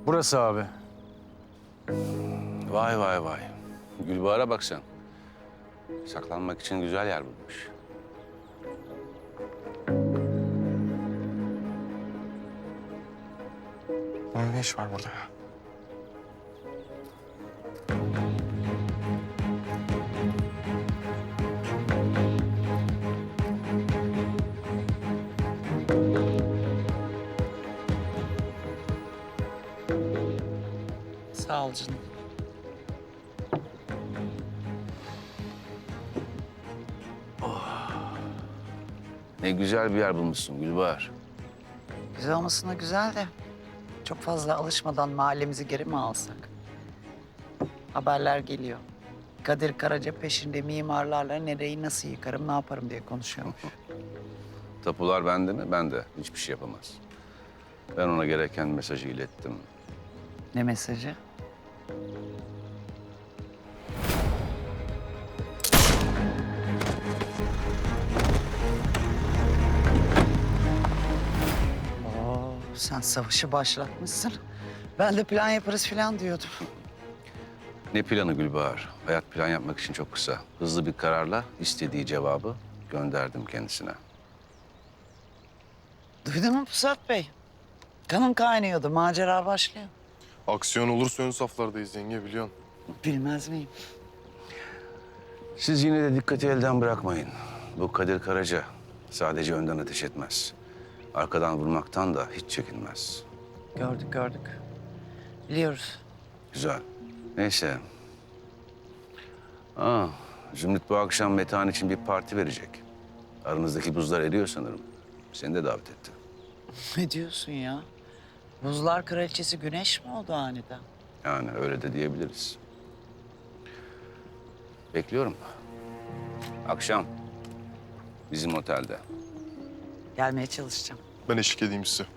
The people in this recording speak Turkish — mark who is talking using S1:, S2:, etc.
S1: Burası abi.
S2: Vay vay vay. Gülbahar'a bak sen. Saklanmak için güzel yer bulmuş.
S3: Bunun ne iş var burada ya?
S4: Sağ ol canım.
S2: Ne güzel bir yer bulmuşsun Gülbahar.
S4: Güzel olmasına güzel de çok fazla alışmadan mahallemizi geri mi alsak? Haberler geliyor. Kadir Karaca peşinde mimarlarla nereyi nasıl yıkarım, ne yaparım diye konuşuyormuş.
S2: Tapular bende mi? Bende. Hiçbir şey yapamaz. Ben ona gereken mesajı ilettim.
S4: Ne mesajı? Oo, sen savaşı başlatmışsın. Ben de plan yaparız falan diyordum.
S2: Ne planı Gülbahar? Hayat plan yapmak için çok kısa. Hızlı bir kararla istediği cevabı gönderdim kendisine.
S4: Duydun mu Pusat Bey? Kanım kaynıyordu, macera başlıyor.
S3: Aksiyon olursa ön saflardayız yenge biliyorsun.
S4: Bilmez miyim?
S2: Siz yine de dikkati elden bırakmayın. Bu Kadir Karaca sadece önden ateş etmez. Arkadan vurmaktan da hiç çekinmez.
S4: Gördük, gördük. Biliyoruz.
S2: Güzel. Neyse. Zümrüt bu akşam Metehan için bir parti verecek. Aranızdaki buzlar eriyor sanırım. Seni de davet etti.
S4: Ne diyorsun ya? Buzlar kraliçesi Güneş mi oldu aniden?
S2: Yani öyle de diyebiliriz. Bekliyorum. Akşam bizim otelde.
S4: Gelmeye çalışacağım.
S3: Ben eşlik edeyim size.